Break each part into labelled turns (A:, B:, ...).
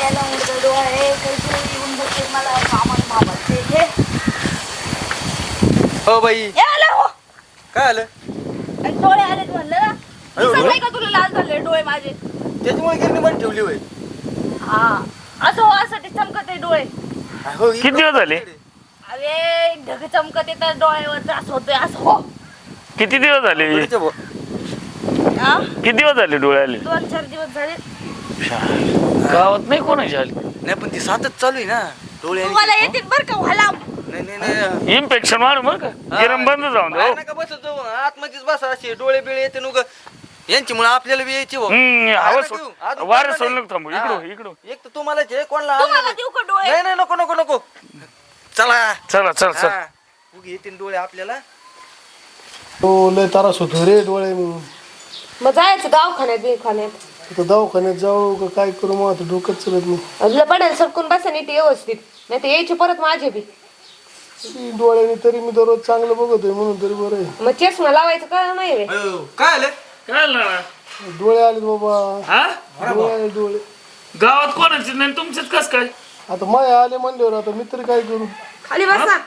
A: याला उडत डोळे कैसे येऊन बसते मला कामाला बाबाचे हे
B: हो बाई
A: याला हो
B: काय आलं
A: डोळे आले म्हणलं ना
B: अरे,
A: दिसत
B: डोळे?
A: नाही का तुला लाल झाले डोळे माझे
B: त्याच्यामुळे गिरणी पण ठेवली होय
A: हा असं हो असं ते चमकत आहे डोळे
B: हो
C: किती दिवस झाले?
A: अरे ढग चमकत येतात डोळ्यावर त्रास होतोय असं हो
C: किती दिवस झाले?
A: हा?
C: किती दिवस झाले डोळे आले?
A: 2-4 दिवस झाले
C: गावात नाही कोणाची आली?
B: नाही पण ती सातच चालू आहे ना डोळे आणि
A: तुम्हाला
B: ते.
A: येतील बरं का व्हाला
B: नाही नाही नाही
C: इन्फेक्शन वाढ मग का गिरम बंद जाऊन दे
B: बाहेर
C: हो.
B: नका बसत जाऊ आतमध्येच बसा असे डोळे बिळे येते नुग यांच्यामुळे आपल्याला बी यायची हो.
C: हवा
B: बाहेर नका येऊ. अजून
C: वारं
B: कोणाला
C: सोडलं
B: नाही.
C: थांबू
B: हा.
C: इकडं इकडं
B: एक तर तुम्हालाच आहे कोणाला
A: तुम्हाला
B: आणलं
A: देऊ का
B: नाही.
A: डोळे
B: नाही नाही नको नको नको चला
C: चला चल चल
B: हा. उगी येतील डोळे आपल्याला
D: तो लय त्रास होतो रे डोळे म्हणून
E: मग जायचं दवाखान्यात बिखान्यात
D: आता दवाखान्यात जाऊ का काय करू मग आता डोकंच चालत नाही
E: तुला पडेल सटकून बसा नीट व्यवस्थित नाही तर यायची परत माझे बी
D: ती डोळ्याने तरी मी दररोज चांगलं बघतोय म्हणून तरी बरं आहे
E: मग चष्मा लावायचं का नाही रे
B: अयो, काय आलं
C: काय ना
D: डोळे आले बाबा
C: हा
D: डोळे आले डोळे
C: गावात कोणाचे नाही तुमचेच कस काय?
D: आता माय आले म्हणल्यावर आता मी तरी काय करू
E: खाली बसा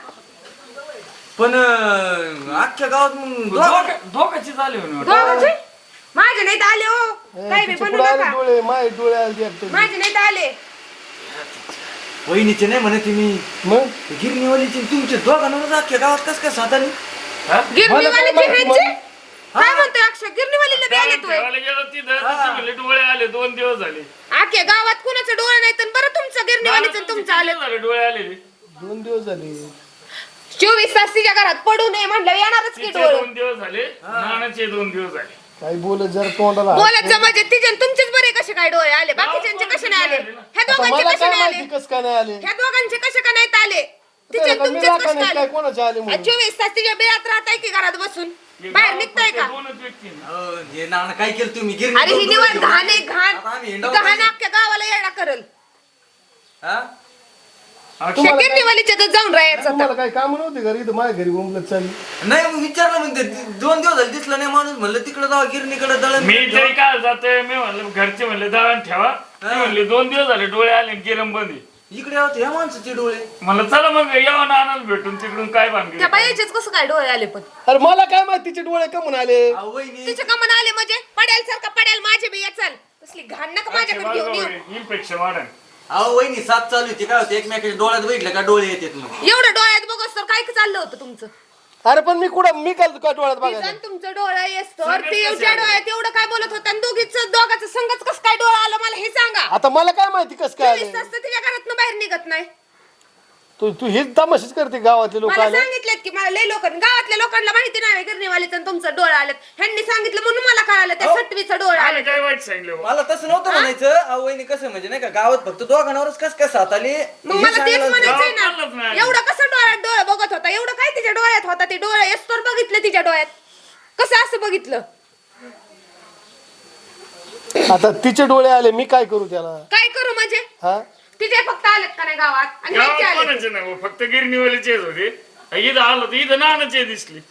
B: पण अख्ख्या गावात मग
C: धोकाची झाली
E: दोघांचे? माझे नाही तर आले हो काही बी
D: तिचे
E: बनू
D: पुढे आले
E: नका
D: डोळे माय डोळे आले एकटे
E: माझे नाही तर आले
B: वहिनीचे नाही म्हणते मी
D: मग
B: गिरणीवालीचे तुमचे दोघांवर अख्ख्या गावात कस काय साधारण
E: गिरणीवाले
D: मला काय
E: गिरणीचे
D: माहिती?
E: काय म्हणतोय अक्षय गिरणीवालीला बी आले तू
C: गेलो तिथं डोळे आले 2 दिवस झाले.
E: आखे गावात कुणाचं डोळे नाही तर बरं तुमचं गिरणीवालीचं तुमचं आलं
C: झाले डोळे आले
D: 2 दिवस झाले
E: 24 तास तिच्या घरात पडू नये म्हणलं येणारच की
C: तिचे
E: डोळे
C: 2 दिवस झाले नानाचे 2 दिवस झाले.
D: काही बोलत जरा तोंडाला हात
E: बोलत म्हणजे तिचे तुमचेच बरे कसे काय डोळे आले बाकीच्यांचे कसे नाही आले ह्या
D: आता
E: दोघांचे
D: मला
E: कसे
D: काय
E: नाही आले
D: माहिती कस काय नाही आले
E: ह्या दोघांचे कसे का नाहीत आले तिचे
D: त्याला मी
E: तुमचेच कसे
D: राखा नाही
E: आले
D: काय कोणाचे आले म्हणून
E: 24 तास तिच्या बेळात राहताय की घरात बसून बाहेर निघताय का
C: दोनच व्यक्ती ना.
B: हे नाना काय केलं तुम्ही गिरणी
E: अरे ही
B: दोन
E: निवड
B: डोळे
E: घाण आहे
B: घेऊन.
E: घाण
B: आता आम्ही
E: ही
B: हिंडावं
E: घाण
B: पाहिजे.
E: अख्ख्या गावाला येडा करल
B: हा?
E: त्या गिरणीवालीच्या जाऊन राहायचं
D: तुम्हाला काही काम नव्हते घरी इथं माझ्या घरी बोंबलत चालली
B: नाही मग विचारलं म्हणते 2 दिवस झाले दिसला नाही माणूस म्हणलं तिकडे जावा गिरणीकडे दळण
C: मी तरी काय जातोय मी म्हणलं घरचे म्हणले दळण ठेवा ते म्हणले 2 दिवस झाले डोळे आले गिरम बंदी
B: इकडे यावं ह्या माणसाचे डोळे
C: म्हणलं चला मग यावं नानाला भेटून तिकडून काय
E: त्या
C: बांधले
E: बाईचेच कसं काय डोळे आले पण
D: अरे मला काय माहिती तिचे डोळे कमून आले
B: अहो, वहिनी
E: तिचे कमन आले म्हणजे पडेल सारखं पडेल माझे बी याचाल तसली घाण नका माझ्याकडे घेऊन येऊ
C: इन्फेक्शन वाढन
B: अहो वहिनी साथ चालू होती काय होते एकमेकाच्या डोळ्यात बघितलं का डोळे येतात मग
E: एवढं डोळ्यात बघस तर काय चाललं होतं तुमचं
D: अरे पण मी कुठं मी काल का डोळ्यात बघायला
E: तिचं तुमचं डोळा येसतर ते एवढ्या डोळ्यात एवढं काय बोलत होतं आणि दोघांचं संगच कसं काय डोळा आलं मला हे सांगा
D: आता मला काय माहिती कस काय
E: 24
D: आले
E: तास तर तिच्या घरातनं बाहेर निघत नाही
D: तू तू हेच तमाशीच करते गावातले लोक
E: मला
D: आले
E: सांगितलेत की मला लय लोक गावातल्या लोकांना माहिती नाही गिरणीवालीचं आणि तुमचं डोळा आलेत ह्यांनी सांगितलं म्हणून मला कळालं त्या सटवीचं डोळा
C: आम्ही
E: आले
C: काय वाईट सांगितलं हो?
B: मला तसं नव्हतं म्हणायचं अहो वहिनी कसं म्हणजे नाही का गावात फक्त दोघांवरच कस काय साथ आली
E: मग
B: हे
E: मला तेच
B: सांगायला-
E: म्हणायचंय
C: गावात चाललंच
E: ना
C: नाही.
E: एवढं कसं डोळ्यात डोळे बघत होता एवढं काय तिच्या डोळ्यात होता ते डोळे येस्तोर बघितलं तिच्या डोळ्यात कसं असं बघितलं
D: आता तिचे डोळे आले मी काय करू त्याला
E: काय करू म्हणजे
D: हा
E: तिचे फक्त आलेत का नाही गावात आणि ह्यांचे
C: गावात
E: आलेत.
C: कोणाचे नाही हो, फक्त गिरणीवालीचेच होते इथं आलो तर इथं नानाचे दिसली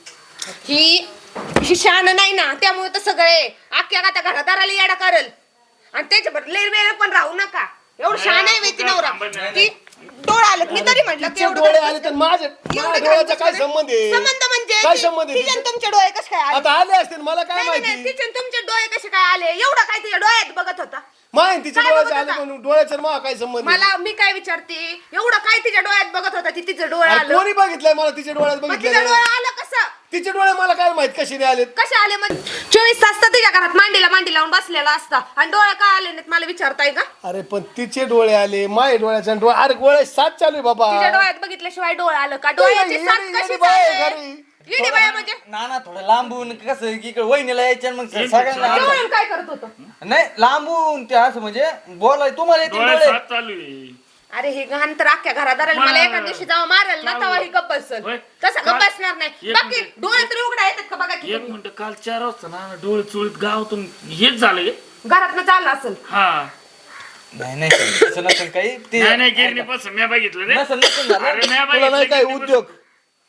E: ही शान नाही ना त्यामुळे तर सगळे अख्ख्या गाता घरादाराला येडा करल आणि त्याच्याबरोबर लय वेळ पण राहू नका एवढं शान आहे वेती नवरा ती डोळा आलेत मी तरी म्हटलं की
D: तिचे
E: एवढं
D: डोळे
E: घरात
D: आले तर माझ्या डोळ्याचा काय संबंध आहे
E: संबंध म्हणजे
D: काय संबंध आहे
E: तिचे आणि
D: तिचे?
E: तुमचे डोळे कसे काय आले
D: आता आले असतील मला काय
E: नाही, नाही, नाही,
D: माहिती
E: तिचे आणि तुमचे डोळे कसे काय आले एवढं काय तिच्या डोळ्यात बघत होता
D: माहिती तिचे
E: काय
D: डोळ्याचे
E: बघत
D: आले
E: होता?
D: म्हणून डोळ्याचा आणि मला काय संबंध आहे?
E: मला मी काय विचारते एवढं काय तिच्या डोळ्यात बघत होता ती तिचं डोळे
D: अरे
E: आलं
D: कोणी बघितलंय मला तिचे डोळ्यात
E: मग तिचं
D: बघितलं
E: डोळे आलं कसं
D: तिचे डोळे मला काय माहित कशी नाही आलेत
E: कसे आले मग 24 तास तर तिच्या घरात मांडीला मांडी लावून बसलेला असता आणि डोळे का आले नाहीत मला विचारताय का
D: अरे पण तिचे डोळे आले माय डोळ्याचा डोळे अरे डोळे साथ चालू आहे बाबा
E: तिच्या डोळ्यात बघितल्याशिवाय डोळे आलं का डोळ्याची साथ
D: येडी-
E: कशी
D: येडी बाई आहे
E: चालते?
D: घरी.
E: येडी बाया म्हणजे
B: नाना थोडं लांबून कसं इकडे वहिनीला यायच्या मग सगळ्यांना
E: जवळून काय करत होतो
B: नाही लांबून ते असं म्हणजे बोलाय तुम्हाला येतील
C: डोळे
B: डोळे
C: साथ चालू आहे
E: अरे हे घाण तर अख्ख्या घरादाराला मला एका दिवशी जावं मारेल ना तेव्हा ही गप्प बसल
C: होय.
E: तसं गप्प बसणार नाही
C: एक
E: बाकी
C: मिनिट.
E: डोळे तरी उघडा येतात का बघा की
C: एक मिनिट काल 4 वाजता ना डोळे चुळीत गावातून हेच झालं
E: घरातनं चाललं असेल
C: हा
B: नाही नाही तसं नसेल काही ते
C: नाही नाही गिरणी पासून मी बघितलं रे
B: नसेल नसेल झालं
C: अरे मी
D: तुला नाही काय
C: बघितलं
D: उद्योग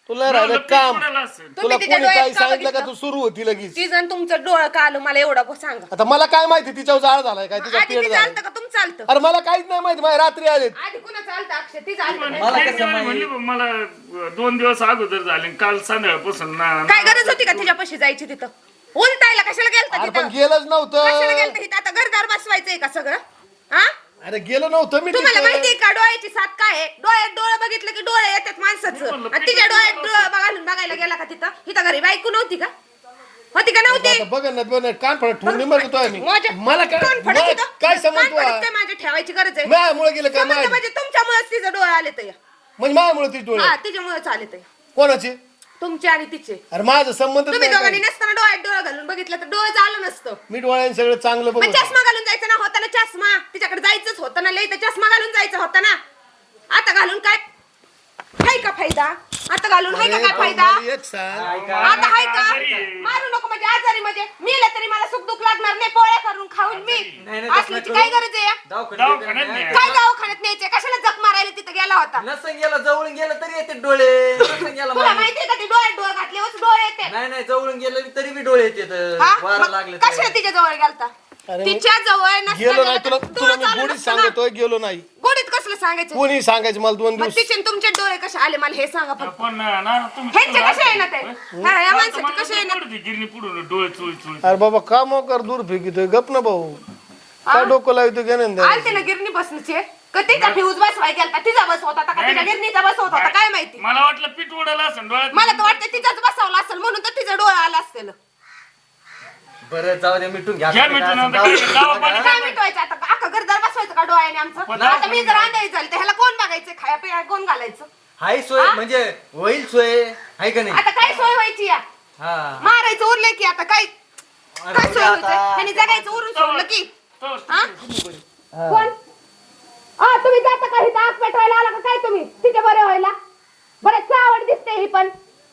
D: तुला राहिलं
C: म्हणलं
D: काम
C: पीठ उडालं असेल.
D: तुला
E: तिच्या
D: कोणी
E: डोळ्यात
D: काही
E: का
D: सांगितलं का
E: बघितलं?
D: तू सुरू होती लगेच
E: ती जण तुमचं डोळं का आलं मला एवढं सांगा.
D: आता मला काय माहिती तिच्यावर जाळ झालाय काय तिचा
E: आधी
D: पेट
E: ती
D: झाला
E: चालतं का तुमचं चालतं?
D: अरे मला काहीच नाही माहिती माझ्या रात्री आलेत
E: आधी कुणा चालतं अक्षय ती चालतं
C: मला
E: काय?
B: मला कसं माहिती?
C: म्हणली बा, मला 2 दिवस अगोदर झाले काल संध्याकाळपासून
E: काय गरज होती का तिच्यापाशी जायची तिथं? उलटायला कशाला गेलता
D: अरे
E: तिथं?
D: पण गेलंच
E: कशाला
D: नव्हतं
E: गेलता तिथं? आता घरदार बसवायचंय का सगळं? हा?
D: अरे गेलो नव्हतं मी
E: तुम्हाला
D: तिथं.
E: माहितीये का डोळ्याची साथ काय आहे? डोळ्यात डोळं बघितलं की डोळे येतात माणसाचं. आणि तिच्या डोळ्यात डोळं घालून बघायला गेला का तिथं? इथं घरी बायको नव्हती का? होती का नव्हती?
D: आता बघ ना बघ ना, कान फडत ठेवून मरतो आम्ही मला काय
E: कान फडत
D: मला
E: होतं?
D: काय
E: कान
D: समजतो
E: फडत काय माझ्या ठेवायची गरज आहे?
D: माझ्यामुळे गेलं काय
E: समजतं म्हणजे तुमच्यामुळेच तिचं डोळे आले तर
D: म्हणजे माझ्यामुळे ती डोळे
E: हा तिच्यामुळेच आले तर
D: कोणाचे
E: तुमचे आणि तिचे.
D: अरे माझं संबंध
E: तुम्ही दोघांनी नसताना डोळ्यात डोळं घालून बघितलं तर डोळं आलं नसतं.
D: मी डोळ्याने सगळं चांगलं
E: मग
D: बघ
E: चष्मा घालून जायचं ना होता ना चष्मा तिच्याकडे जायचंच होतं ना लई तर चष्मा घालून जायचं होता ना. आता घालून काय हाय का फायदा? आता घालून हाय का काय फायदा?
D: एक सांग
E: आता हाय का? मारू नको म्हणजे आजारी म्हणजे मेलं तरी मला सुख दुःख लागणार नाही पोळ्या करून खाऊन मी
B: नाही,
E: असल्याची काय गरज आहे?
C: दवाखान्यात नाही.
E: काय दवाखान्यात न्यायचंय कशाला जख मारायला तिथं गेला होता?
B: नसन गेला जवळून गेलं तरी येते डोळे नसन गेला
E: तुला
B: माणूस.
E: माहितीये का ते डोळ्यात डोळे घातल्यावर डोळे येते.
B: नाही नाही जवळून गेलं तरी बी डोळे येते
E: हा?
B: वारा
E: मग
B: लागले
E: कशाला तिच्या जवळ गेलता?
D: अरे
E: तिच्या जवळ नसता
D: गेलो नाही
E: गेला
D: तुला
E: तर
D: तुला
E: डोळं
D: मी
E: चालू
D: गोडीत
E: नसतं ना.
D: सांगतोय गेलो नाही
E: गोडीत कसलं सांगायचं?
D: कोणी सांगायचं मला 2
E: मग
D: दिवस
E: तिचे आणि तुमचे डोळे कसे आले मला हे सांगा फक्त.
C: पण ना
E: ह्यांचे कसे आहे ना ते? हा, या माणसाचे कसे आहे ना?
C: गिरणी पुढून डोळे चोळी चोळी
D: अरे बाबा का मोकर दूर फेकितोय गप ना भाऊ काय डोकं लावतो घेणं
E: आलते ना गिरणी बसण्याचे का तिचा फ्यूज बसवाय गेलता तिचा बस होता का तिच्या गिरणीचा बस होता काय माहिती?
C: मला वाटलं पीठ उडालं असं डोळ्यात
E: मला तर वाटतं तिचाच बसवला असेल म्हणून तर तिचा डोळा आला असेल.
B: बरं जाऊ दे मिटून घ्या
C: घ्या मिटून आता काय गावापाणी
E: काय मिटवायचं आता अख्खा घरदार बसवायचं का डोळ्याने आमचं? आता मी जर अंधारी झाली तर ह्याला कोण बघायचं खाया पिया कोण घालायचं?
B: हाय सोय म्हणजे होईल सोय आहे का नाही
E: आता काय सोय व्हायची या?
B: हा
E: मारायचं उरलंय की आता काय
B: अरे
E: काय
B: बघ
E: सोय
B: आता.
E: व्हायचं? ह्याने जगायचं उरून सोडलं की
C: तो-
E: हा? कोण? तुम्ही जाता का इथं आग पेटवायला आला का काय तुम्ही तिच्या बरे व्हायला? बरं आवड दिसते ही पण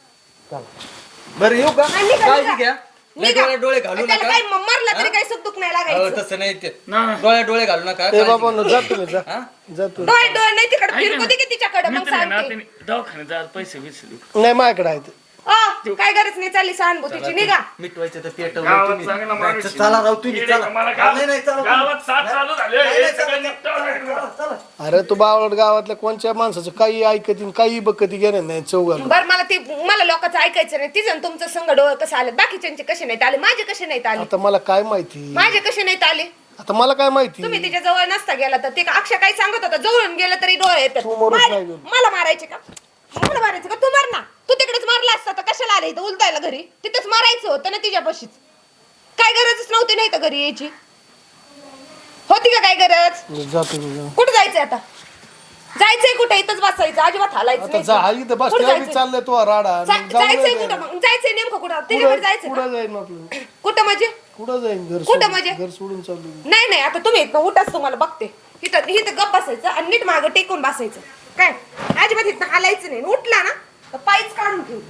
B: बरं येऊ का
E: नाही, निघा,
B: काळजी
E: निघा.
B: घ्या नाही
E: निघा.
B: डोळे घालू
E: त्याला
B: नका
E: काही मरला तरी
B: हा?
E: काही सुख दुःख नाही
B: अहो,
E: लागायचं.
B: तसं नाही ते
C: नाही.
B: डोळे घालू नका
D: ए
B: काळजी
D: बाबा
B: घ्या.
D: जा तुम्ही जा
B: हा?
D: जा तू
E: डोळे डोळे नाही तिकडे
C: ऐका
E: फिरकू
C: ना.
E: दे की तिच्याकडे मग
C: मित्र आहे ना,
E: सांगते.
C: त्याने दवाखान्यात जायला पैसे विसरले
D: नाही माझ्याकडे आहे ते.
E: काय गरज नाही चालली सहानुभूतीची निघा.
B: मिटवायचं तर पेट
C: गावात चांगला माणूस आहे.
B: चला राव तुम्ही
C: येडे
B: चला
C: का मला
B: नाही नाही चला
C: गावात साथ चालू झाले
B: नाही,
C: हे
B: नाही,
C: सगळं
B: चला,
C: निघतं.
B: चला, चला.
D: अरे तू बावळट गावातल्या कोणत्या माणसाचं काही ऐकतीन काही बघती घेणं नाही चौघाला
E: बरं मला लोकांचं ऐकायचं नाही तिचं आणि तुमचं संग डोळे कसे आले बाकीच्यांचे कसे नाहीत आले माझे कसे नाहीत आले
D: आता मला काय माहिती
E: माझे कसे नाहीत आले
D: आता मला काय माहिती
E: तुम्ही तिच्या जवळ नसता गेला तर ते का अक्षय काय सांगत होता जवळून गेलं तरी डोळे येतात
D: तू मरूच
E: मला
D: नाही गेलो.
E: मला मारायचे का मला मारायचं का तू मार ना तू तिकडेच मारला असता तर कशाला आले इथं उलटायला घरी तिथेच मारायचं होतं ना तिच्यापाशीच काय गरजच नव्हती नाही तर घरी यायची होती का काय गरज
D: जातो मी जा.
E: कुठे जायचंय आता जायचंय कुठे इथंच बसायचं अजिबात हालायचं
D: आता
E: नाही.
D: जा हा इथं बस
E: कुठं
D: त्या बी
E: जायचंय?
D: चाललंय तो राडा
E: जायचंय कुठं मग जायचंय नेमकं कुठं तिच्याकडे जायचं
D: कुठं
E: का?
D: जाईन आपलं
E: कुठं म्हणजे
D: कुठं जाईन घर
E: कुठं
D: सोडून-
E: म्हणजे?
D: घर सोडून चालू
E: नाही नाही आता तुम्ही इथनं उठाच तुम्हाला बघते इथं इथं गप बसायचं आणि नीट मागं टेकून बसायचं काय अजिबात इथनं हालायचं नाही उठला ना तर पायच काढून ठेवते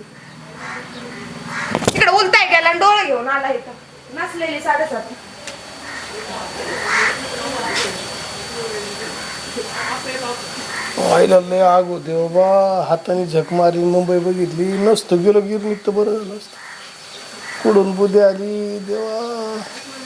E: इकडे उलटाय गेला आणि डोळे घेऊन आला इथं नसलेली 7:30
D: व्हायला लय आग होते बाबा हाताने झक मारी मुंबई बघितली नसतं गेलो गिरणीत तर बरं झालं असतं कुठून बुद्धी आली देवा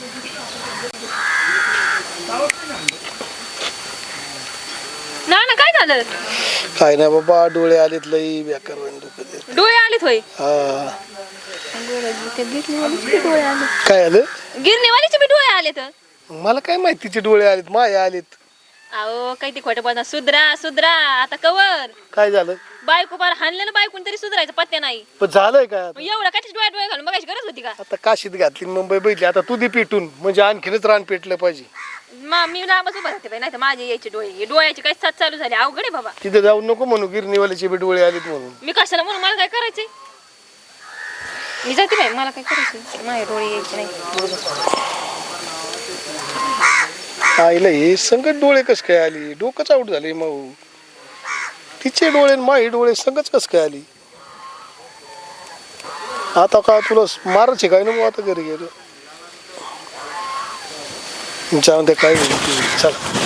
A: ना काय झालं
D: काय नाही बाबा डोळे आलेत लई बेकार वाणी दुखत आहेत.
A: डोळे आलेत होय
D: हा
A: गिरणीवालीचे डोळे आले
D: काय आलं
A: गिरणीवालीचे बी डोळे आले तर
D: मला काय माहिती तिचे डोळे आलेत माया आलेत
A: अहो काही ते खोटं बोलणार सुधरा सुधरा आता कवर
D: काय झालं
A: बायको बार हाणलं ना बायकून तरी सुधरायचं पत्त्या नाही
D: पण झालंय काय आता?
A: मग एवढं काय डोळे घालून बघायची गरज होती का
D: आता काशीत घातली मुंबई बघितली आता तू दे पेटून म्हणजे आणखीनच रान पेटलं पाहिजे
A: मी लांबच उभा राहते नाही तर माझे यायचे डोळे डोळ्याची काय साथ चालू झाली अवघड आहे बाबा
D: तिथे जाऊ नको म्हणू गिरणीवाल्याचे बी डोळे आलेत म्हणून
A: मी कशाला म्हणून मला काय करायचंय मी जाते बाई मला काय करायचंय माझे डोळे यायचे नाही
D: आईला हे संगत डोळे कस काय आली डोकंच आऊट झाले मग तिचे डोळे आणि माझे डोळे संगच कस काय आली आता का तुला मारायचे काय नको आता घरी गेलो जाऊन ते काय होईल ते. चला